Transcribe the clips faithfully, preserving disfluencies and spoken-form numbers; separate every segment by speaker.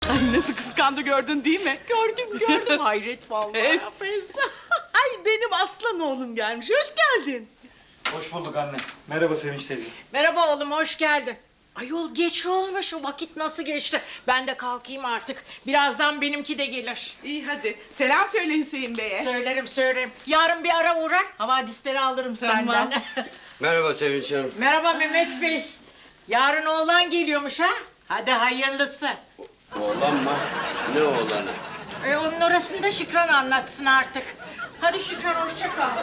Speaker 1: Ay nasıl kıskandı gördün değil mi?
Speaker 2: Gördüm gördüm hayret vallahi.
Speaker 1: Es. Ay benim aslan oğlum gelmiş. Hoş geldin.
Speaker 3: Hoş bulduk anne. Merhaba Sevinç teyze.
Speaker 2: Merhaba oğlum hoş geldin. Ayol geç olmuş, o vakit nasıl geçti? Ben de kalkayım artık. Birazdan benimki de gelir.
Speaker 1: İyi hadi. Selam söyle Hüseyin Bey'e.
Speaker 2: Söylerim söylerim. Yarın bir ara uğrar, havadisleri alırım
Speaker 1: Tamam.
Speaker 2: senden.
Speaker 4: Merhaba Sevinç Hanım.
Speaker 2: Merhaba Mehmet Bey. Yarın oğlan geliyormuş ha? Hadi hayırlısı.
Speaker 4: Oğlan mı? Ne oğlanı?
Speaker 2: E, onun orasını da Şükran anlatsın artık. Hadi Şükran hoşça kal.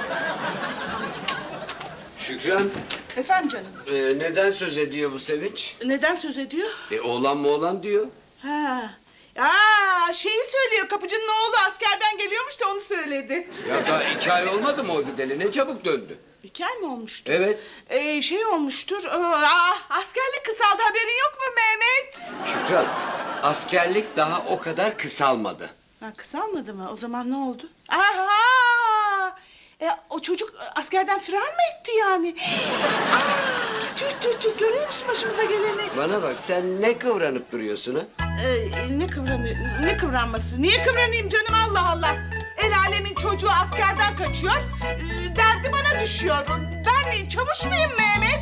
Speaker 4: Şükran,
Speaker 1: Efendim canım.
Speaker 4: e, neden söz ediyor bu Sevinç?
Speaker 1: Neden söz ediyor?
Speaker 4: E, oğlan mı oğlan diyor.
Speaker 1: Ha. Aa, şeyi söylüyor. Kapıcının oğlu askerden geliyormuş da onu söyledi.
Speaker 4: Ya daha iki ay olmadı mı o gideli? Ne çabuk döndü.
Speaker 1: İki ay mı olmuştu?
Speaker 4: Evet.
Speaker 1: Ee, şey olmuştur. Aa, askerlik kısaldı, haberin yok mu Mehmet?
Speaker 4: Şükran, askerlik daha o kadar kısalmadı.
Speaker 1: Ha, kısalmadı mı? O zaman ne oldu? Aha! E, o çocuk askerden firar mı etti yani? Aa, tüh tüh tüh, görüyor musun başımıza geleni?
Speaker 4: Bana bak, sen ne kıvranıp duruyorsun ha?
Speaker 1: Ee, ne kıvranıyor? Ne kıvranması? Niye kıvranayım canım, Allah Allah? El alemin çocuğu askerden kaçıyor. Ee, derdi bana düşüyor. Ben çavuş muyum Mehmet?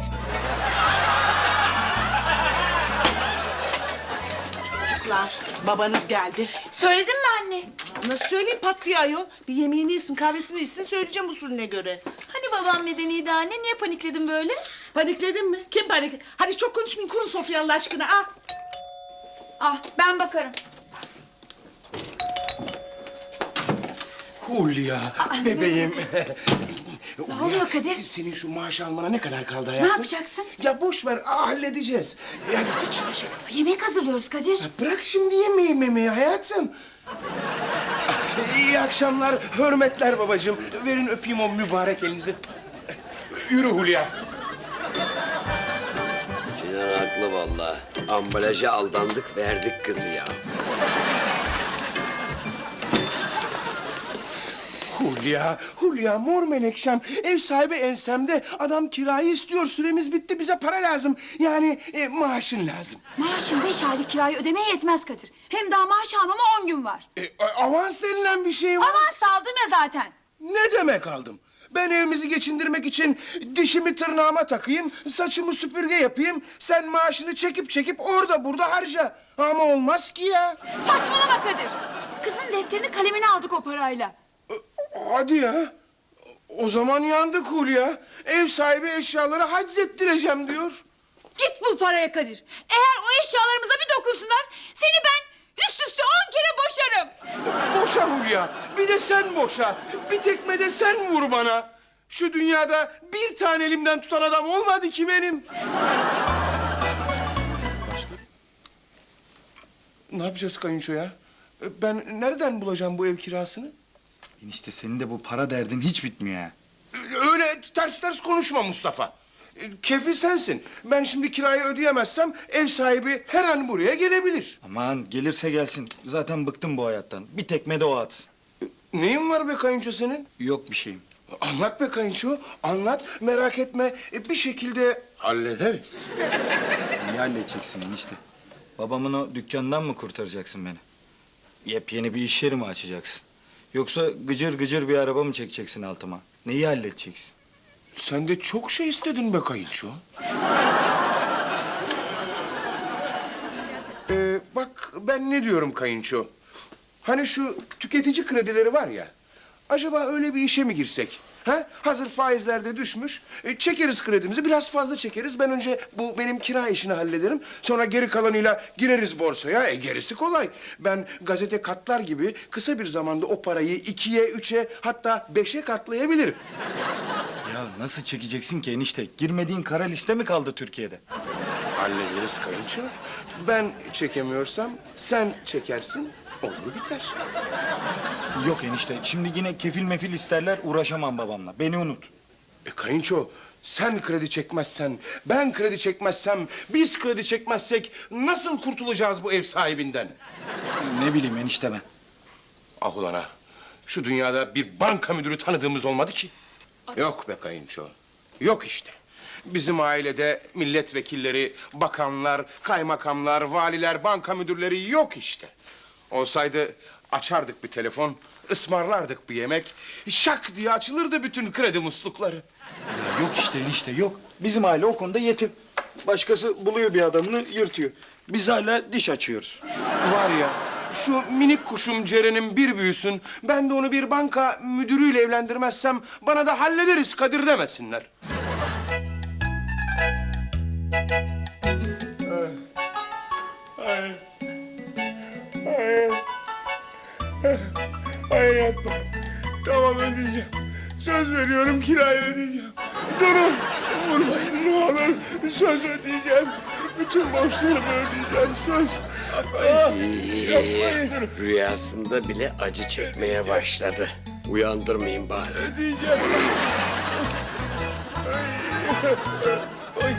Speaker 1: Çocuklar, babanız geldi.
Speaker 5: Söyledin mi anne?
Speaker 1: Nasıl söyleyeyim, patlıyor ayol. Bir yemeğini yesin, kahvesini içsin, söyleyeceğim usulüne göre.
Speaker 5: Hani babam medeniydi anne? Niye panikledin böyle?
Speaker 1: Panikledin mi? Kim panik? Hadi çok konuşmayın, kurun sofrayı Allah aşkına. Ah.
Speaker 5: Ah ben bakarım.
Speaker 6: Hulya, bebeğim.
Speaker 5: Ne oluyor Kadir?
Speaker 6: Senin şu maaş almana ne kadar kaldı
Speaker 5: Ne
Speaker 6: hayatım?
Speaker 5: yapacaksın?
Speaker 6: Ya boş ver, aa, halledeceğiz. E, hadi geç şöyle.
Speaker 5: Yemek hazırlıyoruz Kadir.
Speaker 6: Bırak şimdi yemeği memeyi hayatım. İyi akşamlar, hürmetler babacığım. Verin öpeyim o mübarek elinizi. Yürü Hulya.
Speaker 4: Sinan haklı vallahi. Ambalaja aldandık, verdik kızı ya.
Speaker 6: Hulya, Hulya mor menekşem. Ev sahibi ensemde. Adam kirayı istiyor. Süremiz bitti. Bize para lazım. Yani e, maaşın lazım.
Speaker 5: Maaşın beş aylık kirayı ödemeye yetmez Kadir. Hem daha maaş almama on gün var.
Speaker 6: E, avans denilen bir şey var.
Speaker 5: Avans aldım ya zaten.
Speaker 6: Ne demek aldım? Ben evimizi geçindirmek için dişimi tırnağıma takayım, saçımı süpürge yapayım. Sen maaşını çekip çekip orada burada harca. Ama olmaz ki ya.
Speaker 5: Saçmalama Kadir. Kızın defterini kalemini aldık o parayla.
Speaker 6: Hadi ya. O zaman yandık Hulya. Ev sahibi eşyaları haczettireceğim diyor.
Speaker 5: Git bul paraya Kadir. Eğer o eşyalarımıza bir dokunsunlar seni ben üst üste on kere boşarım.
Speaker 6: Boşa Hulya. Bir de sen boşa. Bir tekme de sen vur bana. Şu dünyada bir tane elimden tutan adam olmadı ki benim. Ne yapacağız kayınço ya? Ben nereden bulacağım bu ev kirasını?
Speaker 3: Enişte senin de bu para derdin hiç bitmiyor ya.
Speaker 6: Öyle ters ters konuşma Mustafa. Kefil sensin. Ben şimdi kirayı ödeyemezsem ev sahibi her an buraya gelebilir.
Speaker 3: Aman gelirse gelsin. Zaten bıktım bu hayattan. Bir tekme de o atsın.
Speaker 6: Neyin var be kayınço senin?
Speaker 3: Yok bir şeyim.
Speaker 6: Anlat be kayınço, anlat. Merak etme, bir şekilde hallederiz.
Speaker 3: Neyi halledeceksin enişte? Babamın o dükkanından mı kurtaracaksın beni? Yepyeni bir iş yeri mi açacaksın? Yoksa gıcır gıcır bir araba mı çekeceksin altıma? Neyi halledeceksin?
Speaker 6: Sen de çok şey istedin be kayınço. Ee, bak ben ne diyorum kayınço. Hani şu tüketici kredileri var ya. Acaba öyle bir işe mi girsek? Ha? Hazır faizler de düşmüş. E, çekeriz kredimizi, biraz fazla çekeriz. Ben önce bu benim kira işini hallederim. Sonra geri kalanıyla gireriz borsaya. E gerisi kolay. Ben gazete katlar gibi kısa bir zamanda o parayı ikiye, üçe hatta beşe katlayabilirim.
Speaker 3: Ya nasıl çekeceksin ki enişte? Girmediğin kara liste mi kaldı Türkiye'de?
Speaker 6: Hallederiz kayınço. Ben çekemiyorsam sen çekersin. Olur biter.
Speaker 3: Yok enişte. Şimdi yine kefil mefil isterler, uğraşamam babamla. Beni unut.
Speaker 6: E kayınço, sen kredi çekmezsen, ben kredi çekmezsem, biz kredi çekmezsek nasıl kurtulacağız bu ev sahibinden?
Speaker 3: Ne bileyim enişte ben.
Speaker 6: Ah ulan ha, şu dünyada bir banka müdürü tanıdığımız olmadı ki. Yok be kayınço, yok işte. Bizim ailede milletvekilleri, bakanlar, kaymakamlar, valiler, banka müdürleri yok işte. Olsaydı açardık bir telefon, ısmarlardık bir yemek. Şak diye açılırdı bütün kredi muslukları.
Speaker 3: Ya yok işte enişte yok. Bizim aile o konuda yetim. Başkası buluyor bir adamını yırtıyor. Biz hala diş açıyoruz.
Speaker 6: Var ya, şu minik kuşum Ceren'in bir büyüsün, ben de onu bir banka müdürüyle evlendirmezsem bana da hallederiz Kadir demesinler. Ay. Ay. Ay. Ay yapma. Tamam ödeyeceğim. Söz veriyorum kirayı ödeyeceğim. Durun. Vurmayın ne olur. Söz ödeyeceğim. Bütün borçlarımı ödeyeceğim. Söz. Ah, yapmayın.
Speaker 4: Rüyasında bile acı çekmeye başladı. Uyandırmayın bari.
Speaker 6: Ödeyeceğim. Ay. Ay.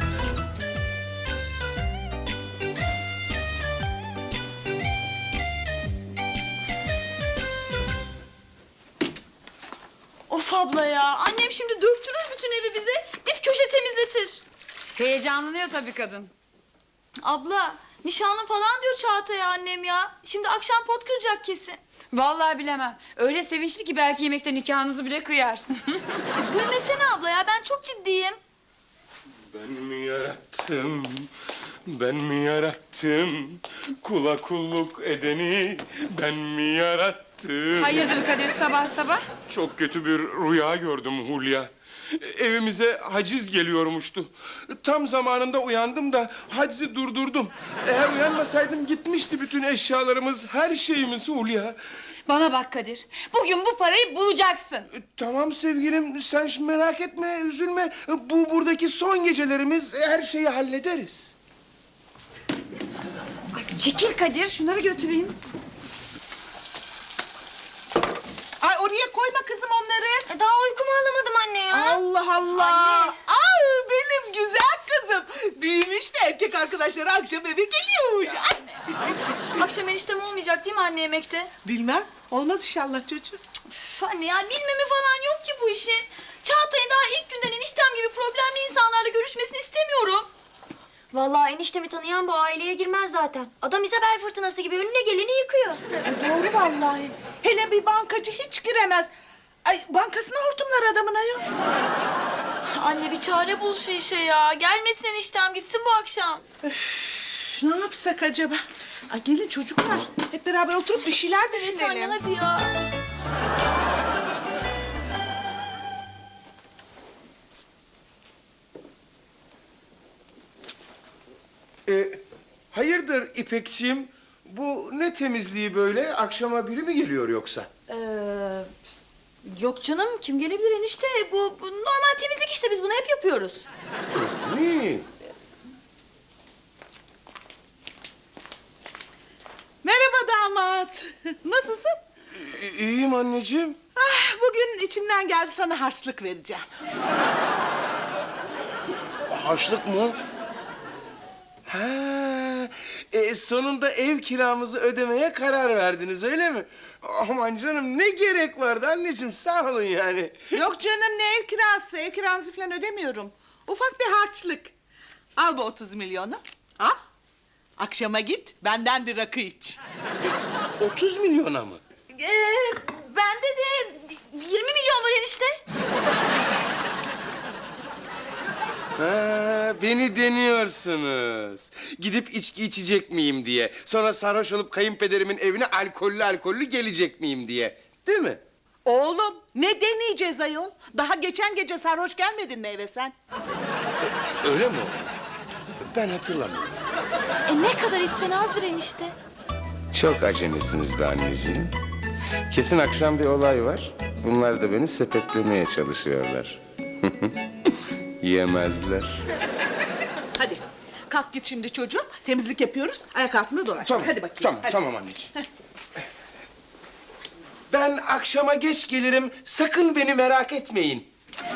Speaker 5: Of abla ya. Annem şimdi döktürür bütün evi bize. Dip köşe temizletir. Heyecanlanıyor tabii kadın. Abla nişanlı falan diyor Çağatay'a annem ya. Şimdi akşam pot kıracak kesin. Vallahi bilemem. Öyle sevinçli ki belki yemekte nikahınızı bile kıyar. Gülmesene abla ya, ben çok ciddiyim.
Speaker 6: Ben mi yarattım, ben mi yarattım? Kula kulluk edeni ben mi yarattım?
Speaker 5: Hayırdır Kadir sabah sabah?
Speaker 6: Çok kötü bir rüya gördüm Hulya. Evimize haciz geliyormuştu. Tam zamanında uyandım da hacizi durdurdum. Eğer uyanmasaydım gitmişti bütün eşyalarımız, her şeyimiz Hulya.
Speaker 5: Bana bak Kadir. Bugün bu parayı bulacaksın.
Speaker 6: E, Tamam sevgilim, sen şimdi merak etme, üzülme. Bu buradaki son gecelerimiz, her şeyi hallederiz.
Speaker 5: Çekil Kadir, şunları götüreyim.
Speaker 1: Ay oraya koyma kızım onları.
Speaker 5: E, daha uykumu alamadım anne ya.
Speaker 1: Allah Allah.
Speaker 5: Anne.
Speaker 1: Ay benim güzel kızım. Büyümüş de erkek arkadaşları akşam eve geliyormuş. Ay.
Speaker 5: Akşam eniştem olmayacak değil mi anne yemekte?
Speaker 1: Bilmem. Olmaz inşallah çocuğum.
Speaker 5: Üf, anne ya bilmemi falan yok ki bu işin. Çağatay'ın daha ilk günden eniştem gibi problemli insanlarla görüşmesini istemiyorum.
Speaker 7: Vallahi eniştemi tanıyan bu aileye girmez zaten. Adam İzabel fırtınası gibi önüne geleni yıkıyor.
Speaker 1: Doğru vallahi. Hele bir bankacı hiç giremez. Ay bankasına hortumlar adamın ayol.
Speaker 5: Anne bir çare bul şu işe ya. Gelmesin eniştem, gitsin bu akşam.
Speaker 1: Üf, ne yapsak acaba? Ay gelin çocuklar. Hep beraber oturup bir şeyler
Speaker 5: Evet anne
Speaker 1: düşünelim.
Speaker 5: hadi ya.
Speaker 6: Ee, hayırdır İpekçiğim? Bu ne temizliği böyle? Akşama biri mi geliyor yoksa?
Speaker 5: Ee, yok canım, kim gelebilir enişte? Bu, bu normal temizlik işte, biz bunu hep yapıyoruz.
Speaker 6: Hı.
Speaker 1: Merhaba damat. Nasılsın?
Speaker 6: İ- İyiyim anneciğim.
Speaker 1: Ah, bugün içimden geldi sana harçlık vereceğim.
Speaker 6: Harçlık mı? Ha, e, sonunda ev kiramızı ödemeye karar verdiniz öyle mi? Aman canım ne gerek vardı anneciğim, sağ olun yani.
Speaker 1: Yok canım ne ev kirası, ev kiranızı falan ödemiyorum. Ufak bir harçlık. Al bu otuz milyonu. Al. Akşama git, benden bir rakı iç.
Speaker 6: otuz milyona mı?
Speaker 5: Ee, bende de yirmi milyon var enişte.
Speaker 6: Ha, beni deniyorsunuz. Gidip içki içecek miyim diye. Sonra sarhoş olup kayınpederimin evine alkollü alkollü gelecek miyim diye. Değil mi?
Speaker 1: Oğlum ne deneyeceğiz ayol? Daha geçen gece sarhoş gelmedin mi eve sen?
Speaker 6: Öyle mi oldu? Ben hatırlamıyorum.
Speaker 5: E ne kadar içsen azdır enişte.
Speaker 6: Çok acemisiniz be anneciğim. Kesin akşam bir olay var. Bunlar da beni sepetlemeye çalışıyorlar. Yemezler.
Speaker 1: Hadi kalk git şimdi çocuğum. Temizlik yapıyoruz. Ayak altında dolaş. Hadi bakayım.
Speaker 6: Tamam,
Speaker 1: hadi.
Speaker 6: tamam anneciğim. Ben akşama geç gelirim. Sakın beni merak etmeyin.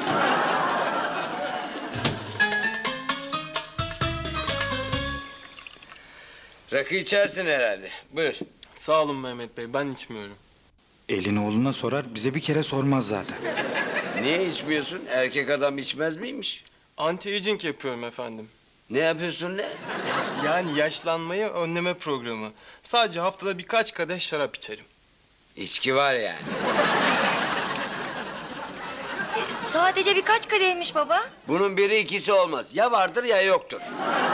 Speaker 4: Rakı içersin herhalde. Buyur.
Speaker 8: Sağ olun Mehmet Bey, ben içmiyorum.
Speaker 3: Elini oğluna sorar, bize bir kere sormaz zaten.
Speaker 4: Niye içmiyorsun? Erkek adam içmez miymiş?
Speaker 8: Anti-aging yapıyorum efendim.
Speaker 4: Ne yapıyorsun lan?
Speaker 8: Yani yaşlanmayı önleme programı. Sadece haftada birkaç kadeh şarap içerim.
Speaker 4: İçki var yani.
Speaker 7: E, sadece birkaç kadehmiş baba.
Speaker 4: Bunun biri ikisi olmaz. Ya vardır ya yoktur.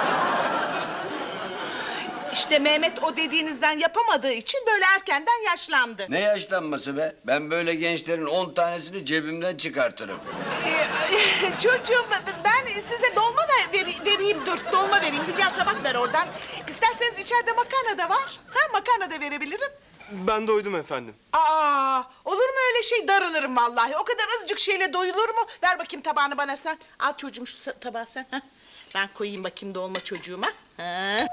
Speaker 1: İşte Mehmet o dediğinizden yapamadığı için böyle erkenden yaşlandı.
Speaker 4: Ne yaşlanması be? Ben böyle gençlerin on tanesini cebimden çıkartırım.
Speaker 1: Ee, çocuğum ben size dolma ver, veri- vereyim dur dolma vereyim. Hülya tabak ver oradan. İsterseniz içeride makarna da var. Ha makarna da verebilirim.
Speaker 8: Ben doydum efendim.
Speaker 1: Aa olur mu öyle şey darılırım vallahi. O kadar azıcık şeyle doyulur mu? Ver bakayım tabağını bana sen. Al çocuğum şu sa- tabağı sen. Ha. Ben koyayım bakayım dolma çocuğuma. Ha.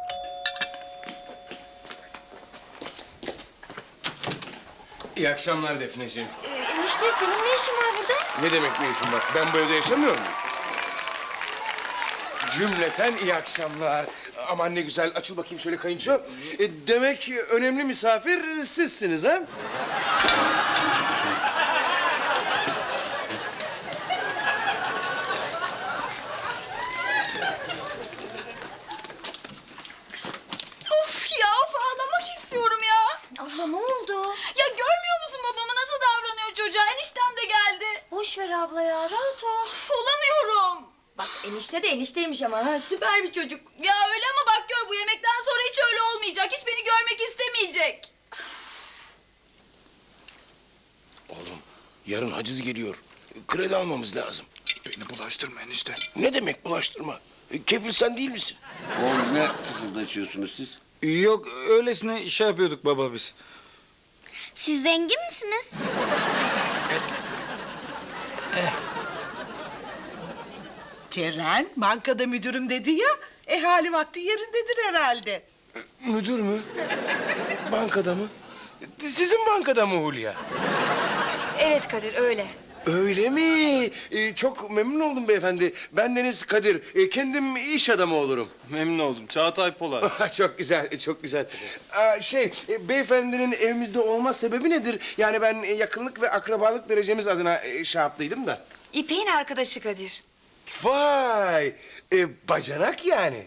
Speaker 6: İyi akşamlar Defneciğim.
Speaker 7: E, enişte senin ne işin var burada?
Speaker 6: Ne demek ne işim var? Ben bu evde yaşamıyor muyum? Cümleten iyi akşamlar. Aman ne güzel. Açıl bakayım şöyle kayınço. E, demek önemli misafir sizsiniz ha?
Speaker 5: Of ya of ağlamak istiyorum ya.
Speaker 7: Abla ne oldu?
Speaker 5: Ya görmüyor musun babamı nasıl davranıyor çocuğa? Eniştem de geldi.
Speaker 7: Boş ver abla ya, rahat ol.
Speaker 5: Of, olamıyorum.
Speaker 7: Bak enişte de enişteymiş ama ha, süper bir çocuk.
Speaker 5: Ya öyle ama bak gör bu yemekten sonra hiç öyle olmayacak. Hiç beni görmek istemeyecek.
Speaker 6: Oğlum yarın haciz geliyor. Kredi almamız lazım.
Speaker 3: Beni bulaştırma enişte.
Speaker 6: Ne demek bulaştırma? E, Kefil sen değil misin?
Speaker 4: Oğlum ne fısıldaşıyorsunuz siz?
Speaker 3: Yok öylesine şey yapıyorduk baba biz.
Speaker 7: Siz zengin misiniz?
Speaker 1: Ceren bankada müdürüm dedi ya. E hali vakti yerindedir herhalde.
Speaker 6: Müdür mü? Bankada mı? Sizin bankada mı Hulya?
Speaker 7: Evet Kadir öyle.
Speaker 6: Öyle mi? Ee, çok memnun oldum beyefendi. Ben Deniz Kadir. Ee, kendim iş adamı olurum.
Speaker 8: Memnun oldum. Çağatay Polat.
Speaker 6: Çok güzel, çok güzel. Aa, şey, e, beyefendinin evimizde olma sebebi nedir? Yani ben e, yakınlık ve akrabalık derecemiz adına e, şey yaptıydım da.
Speaker 7: İpek'in arkadaşı Kadir.
Speaker 6: Vay! E, bacanak yani.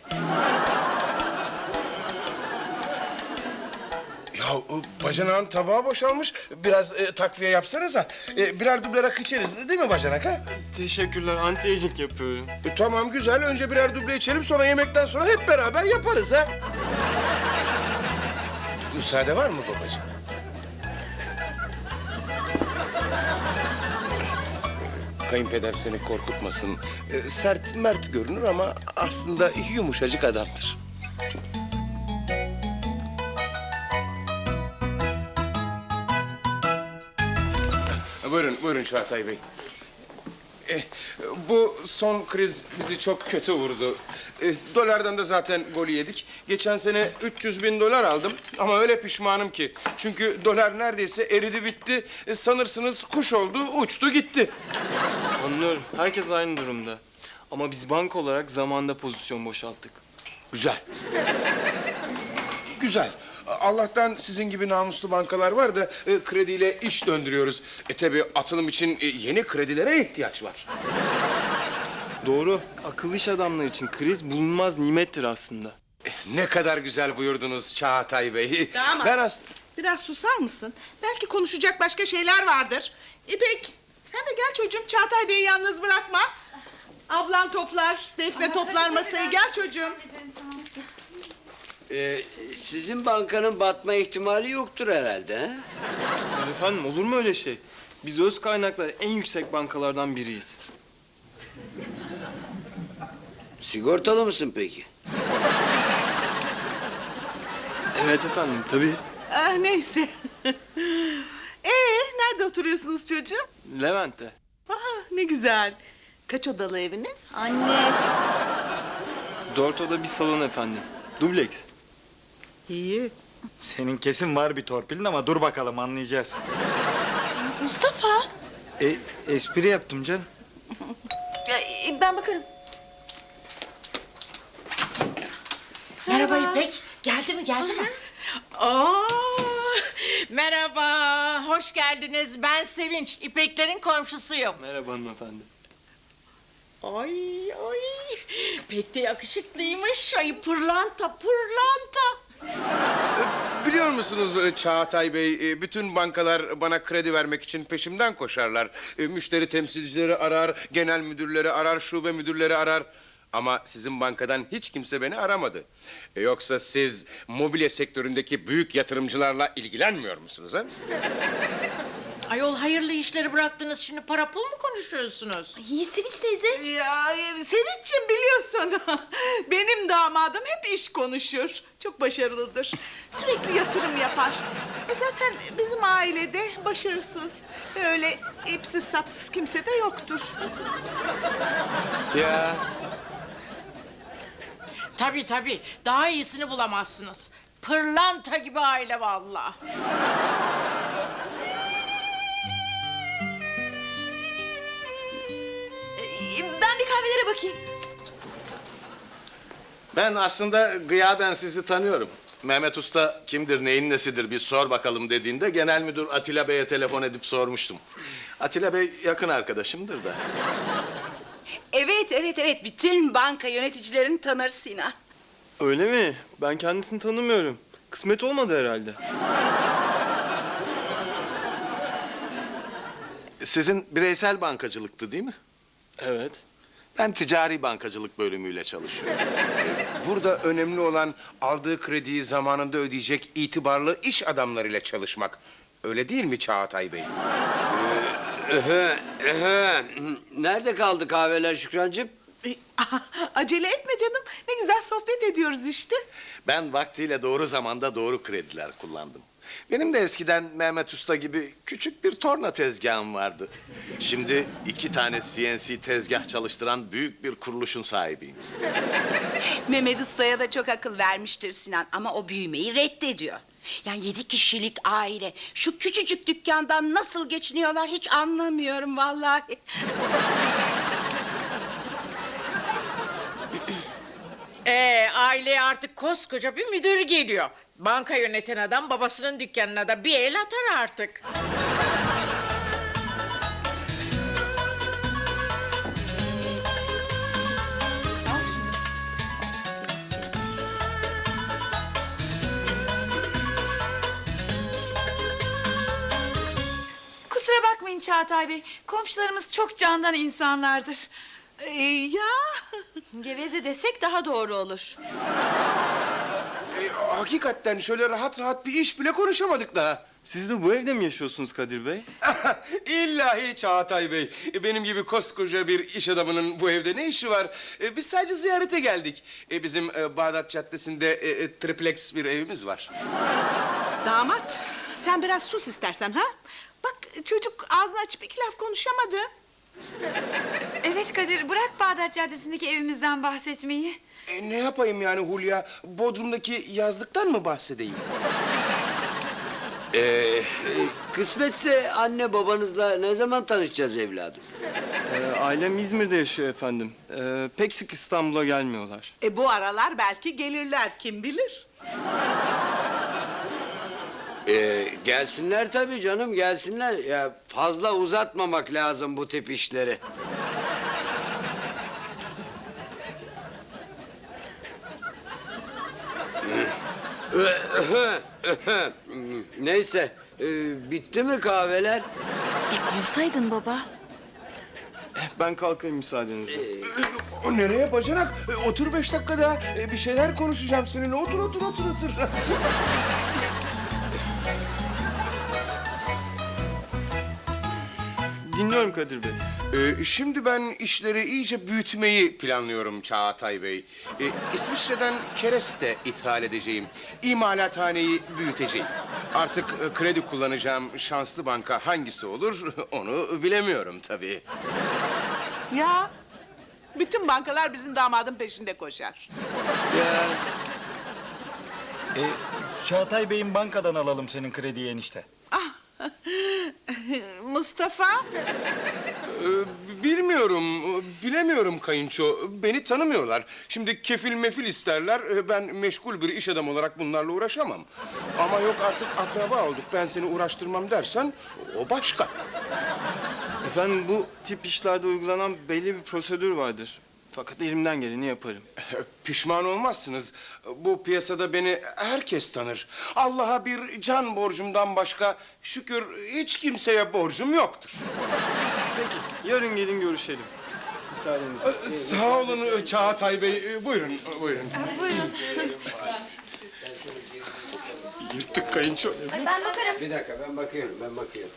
Speaker 6: Ya e, bacanağın tabağı boşalmış. Biraz e, takviye yapsanıza. E, birer duble rakı içeriz değil mi bacanak ha?
Speaker 8: Teşekkürler. Anti-aging yapıyorum.
Speaker 6: E, tamam güzel. Önce birer duble içelim sonra yemekten sonra hep beraber yaparız ha. Müsaade var mı babacığım? Kayınpeder seni korkutmasın. E, sert mert görünür ama aslında yumuşacık adamdır. Buyurun, buyurun Çağatay Bey. Eh, bu son kriz bizi çok kötü vurdu. Eh, dolardan da zaten golü yedik. Geçen sene üç yüz bin dolar aldım ama öyle pişmanım ki. Çünkü dolar neredeyse eridi bitti. Eh, sanırsınız kuş oldu, uçtu gitti.
Speaker 8: Anlıyorum. Herkes aynı durumda. Ama biz banka olarak zamanda pozisyon boşalttık.
Speaker 6: Güzel. Güzel. Allah'tan sizin gibi namuslu bankalar var da e, krediyle iş döndürüyoruz. E tabii atılım için e, yeni kredilere ihtiyaç var.
Speaker 8: Doğru. Akıllı iş adamları için kriz bulunmaz nimettir aslında.
Speaker 6: E, ne kadar güzel buyurdunuz Çağatay Bey.
Speaker 1: Damat.
Speaker 6: Ben as-
Speaker 1: Biraz susar mısın? Belki konuşacak başka şeyler vardır. İpek sen de gel çocuğum Çağatay Bey'i yalnız bırakma. Ablan toplar, Defne toplar masayı. Gel çocuğum.
Speaker 4: Ee, sizin bankanın batma ihtimali yoktur herhalde ha?
Speaker 8: Ya efendim olur mu öyle şey? Biz öz kaynaklar en yüksek bankalardan biriyiz.
Speaker 4: Sigortalı mısın peki?
Speaker 8: Evet efendim tabii.
Speaker 1: Ah, neyse. Ee, nerede oturuyorsunuz çocuğum?
Speaker 8: Levent'te.
Speaker 1: Aha, ne güzel. Kaç odalı eviniz?
Speaker 5: Anne.
Speaker 8: Dört oda bir salon efendim. Dubleks.
Speaker 1: İyi.
Speaker 3: Senin kesin var bir torpilin ama dur bakalım anlayacağız.
Speaker 5: Mustafa.
Speaker 3: E, espri yaptım canım.
Speaker 5: Ya, e, ben bakarım.
Speaker 2: Merhaba İpek. Geldi mi geldi mi? Oo, merhaba, hoş geldiniz. Ben Sevinç, İpeklerin komşusuyum.
Speaker 8: Merhaba hanımefendi.
Speaker 2: Ay ay. Pek de yakışıklıymış. Ay pırlanta pırlanta.
Speaker 6: Biliyor musunuz e, Çağatay Bey, e, bütün bankalar bana kredi vermek için peşimden koşarlar. E, Müşteri temsilcileri arar, genel müdürleri arar, şube müdürleri arar. Ama sizin bankadan hiç kimse beni aramadı. E, Yoksa siz mobilya sektöründeki büyük yatırımcılarla ilgilenmiyor musunuz ha?
Speaker 2: Ayol hayırlı işleri bıraktınız, şimdi para pul mu konuşuyorsunuz?
Speaker 5: İyi Sevinç teyze.
Speaker 1: Ya e, Sevinç'ciğim biliyorsun benim damadım hep iş konuşur. Çok başarılıdır. Sürekli yatırım yapar. E zaten bizim ailede başarısız, öyle ipsiz sapsız kimse de yoktur.
Speaker 4: Ya
Speaker 2: Tabii tabii, daha iyisini bulamazsınız. Pırlanta gibi aile vallahi.
Speaker 5: Ee, Ben bir kahvelere bakayım.
Speaker 9: Ben aslında gıyaben sizi tanıyorum. Mehmet Usta kimdir, neyin nesidir bir sor bakalım dediğinde genel müdür Atilla Bey'e telefon edip sormuştum. Atilla Bey yakın arkadaşımdır da.
Speaker 1: Evet, evet, evet. Bütün banka yöneticilerini tanır Sinan.
Speaker 8: Öyle mi? Ben kendisini tanımıyorum. Kısmet olmadı herhalde.
Speaker 9: Sizin bireysel bankacılıktı değil mi?
Speaker 8: Evet.
Speaker 9: Ben ticari bankacılık bölümüyle çalışıyorum.
Speaker 6: Burada önemli olan aldığı krediyi zamanında ödeyecek itibarlı iş adamlarıyla çalışmak. Öyle değil mi Çağatay Bey?
Speaker 4: ehe, ehe. Nerede kaldı kahveler Şükrancığım?
Speaker 1: E, Acele etme canım. Ne güzel sohbet ediyoruz işte.
Speaker 9: Ben vaktiyle doğru zamanda doğru krediler kullandım. Benim de eskiden Mehmet Usta gibi küçük bir torna tezgahım vardı. Şimdi iki tane C N C tezgah çalıştıran büyük bir kuruluşun sahibiyim.
Speaker 10: Mehmet Usta'ya da çok akıl vermiştir Sinan ama o büyümeyi reddediyor. Yani yedi kişilik aile şu küçücük dükkandan nasıl geçiniyorlar hiç anlamıyorum vallahi.
Speaker 2: Ee, aileye artık koskoca bir müdür geliyor. Banka yöneten adam babasının dükkanına da bir el atar artık.
Speaker 5: Kusura bakmayın Çağatay Bey. Komşularımız çok candan insanlardır.
Speaker 1: E, ya
Speaker 5: Geveze desek daha doğru olur.
Speaker 6: E, hakikaten şöyle rahat rahat bir iş bile konuşamadık daha.
Speaker 8: Siz de bu evde mi yaşıyorsunuz Kadir Bey?
Speaker 6: İllahi Çağatay Bey. E, Benim gibi koskoca bir iş adamının bu evde ne işi var? E, Biz sadece ziyarete geldik. E, Bizim e, Bağdat Caddesi'nde e, e, triplex bir evimiz var.
Speaker 1: damat, sen biraz sus istersen ha? Bak çocuk ağzını açıp iki laf konuşamadı.
Speaker 5: Evet Kadir, bırak Bağdat Caddesi'ndeki evimizden bahsetmeyi.
Speaker 6: E, ne yapayım yani Hulya? Bodrum'daki yazlıktan mı bahsedeyim?
Speaker 4: Ee, kısmetse anne babanızla ne zaman tanışacağız evladım?
Speaker 8: Ee, ailem İzmir'de yaşıyor efendim. Ee, pek sık İstanbul'a gelmiyorlar.
Speaker 1: E bu aralar belki gelirler, kim bilir?
Speaker 4: Ee, gelsinler tabii canım, gelsinler. Ya fazla uzatmamak lazım bu tip işleri. Neyse, e, bitti mi kahveler?
Speaker 5: E kovsaydın baba.
Speaker 8: Ben kalkayım müsaadenizle.
Speaker 6: E, o nereye bacanak? E, otur beş dakika daha. E, bir şeyler konuşacağım seninle. Otur, otur, otur, otur.
Speaker 8: Dinliyorum Kadir Bey.
Speaker 6: Ee, şimdi ben işleri iyice büyütmeyi planlıyorum Çağatay Bey. Ee, İsviçre'den kereste ithal edeceğim. İmalathaneyi büyüteceğim. Artık e, kredi kullanacağım şanslı banka hangisi olur onu bilemiyorum tabii.
Speaker 1: Ya bütün bankalar bizim damadın peşinde koşar.
Speaker 4: Ya
Speaker 3: E, Çağatay Bey'in bankadan alalım senin krediyi enişte.
Speaker 1: Ah, Mustafa,
Speaker 6: Ee, bilmiyorum, bilemiyorum kayınço. Beni tanımıyorlar. Şimdi kefil mefil isterler. e, Ben meşgul bir iş adamı olarak bunlarla uğraşamam. Ama yok artık akraba olduk. Ben seni uğraştırmam dersen o başka.
Speaker 8: Efendim bu tip işlerde uygulanan belli bir prosedür vardır. Fakat elimden geleni yaparım.
Speaker 6: Pişman olmazsınız. Bu piyasada beni herkes tanır. Allah'a bir can borcumdan başka şükür hiç kimseye borcum yoktur.
Speaker 8: Peki, yarın gelin görüşelim. Müsaadenizle.
Speaker 6: Sağ olun Çağatay Bey. Buyurun, buyurun.
Speaker 5: Buyurun.
Speaker 6: Yırttık kayınço.
Speaker 7: Ay ben bakarım.
Speaker 4: Bir dakika ben bakıyorum ben bakıyorum.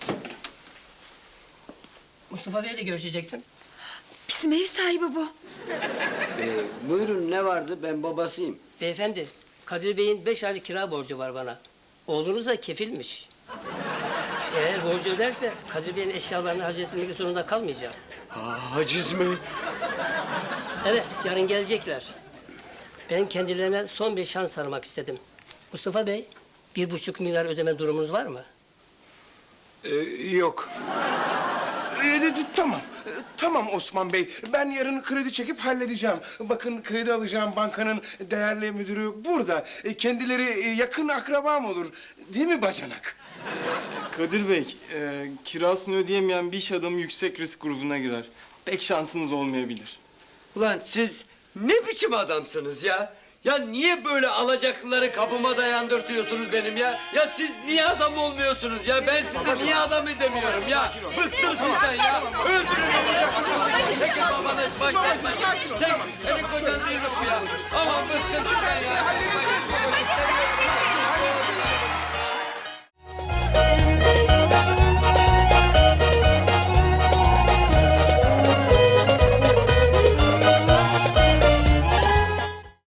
Speaker 11: Mustafa Bey'le görüşecektim.
Speaker 10: Bizim ev sahibi bu.
Speaker 4: Ee, buyurun ne vardı ben babasıyım.
Speaker 11: Beyefendi, Kadir Bey'in beş aylık kira borcu var bana. Oğlunuz da kefilmiş. Eğer borcu öderse Kadir Bey'in eşyalarını hazretmek zorunda kalmayacağım.
Speaker 4: Haciz mi?
Speaker 11: Evet, yarın gelecekler. Ben kendilerine son bir şans aramak istedim. Mustafa Bey, bir buçuk milyar ödeme durumunuz var mı?
Speaker 3: Ee, yok.
Speaker 6: Ee, tamam, ee, tamam Osman Bey. Ben yarın kredi çekip halledeceğim. Bakın kredi alacağım bankanın değerli müdürü burada. Ee, kendileri e, yakın akrabam olur. Değil mi bacanak?
Speaker 8: Kadir Bey, e, kirasını ödeyemeyen bir iş adamı yüksek risk grubuna girer. Pek şansınız olmayabilir.
Speaker 4: Ulan siz ne biçim adamsınız ya? Ya niye böyle alacaklıları kapıma dayandırtıyorsunuz benim ya? Ya siz niye adam olmuyorsunuz ya? Ben sizi niye adam edemiyorum ya? Bıktım sizden ya. Öldürün olacaksınız. Çekin babanız. Bak yapma. Çek. Senin kocan değilim ya. Aman bıktım sizden ya.